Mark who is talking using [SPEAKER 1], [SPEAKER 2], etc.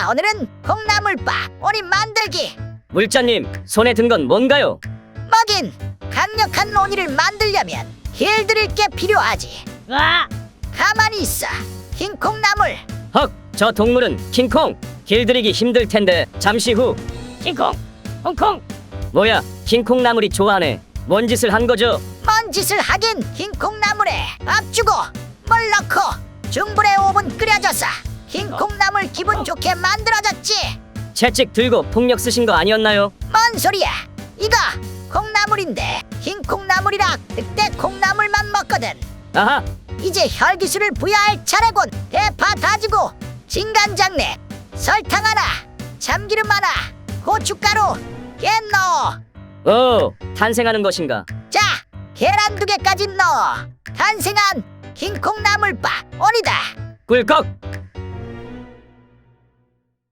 [SPEAKER 1] 자, 오늘은 콩나물밥 오리 만들기.
[SPEAKER 2] 물자님, 손에 든 건 뭔가요?
[SPEAKER 1] 먹인 강력한 오니를 만들려면 길들일 게 필요하지. 가만히 있어. 흰 콩나물.
[SPEAKER 2] 헉, 저 동물은 킹콩. 길들이기 힘들 텐데 잠시 후.
[SPEAKER 3] 킹콩, 홍콩.
[SPEAKER 2] 뭐야, 킹콩 나물이 좋아하네. 뭔 짓을 한 거죠?
[SPEAKER 1] 뭔 짓을 하긴. 흰 콩나물에 밥 주고 물 넣고 중불에 5분 끓여줘서 흰 콩나물 기분 좋게 만들어졌지.
[SPEAKER 2] 채찍 들고 폭력 쓰신 거 아니었나요?
[SPEAKER 1] 뭔 소리야? 이거 콩나물인데 흰 콩나물이라 그때 콩나물만 먹거든.
[SPEAKER 2] 아하,
[SPEAKER 1] 이제 혈기술을 부여할 차례군. 대파 다지고 진간장내 설탕 하나 참기름 하나 고춧가루 깨 넣어.
[SPEAKER 2] 오, 탄생하는 것인가?
[SPEAKER 1] 자, 계란 2개까지 넣어. 탄생한 흰 콩나물밥 오니다.
[SPEAKER 2] 꿀꺽.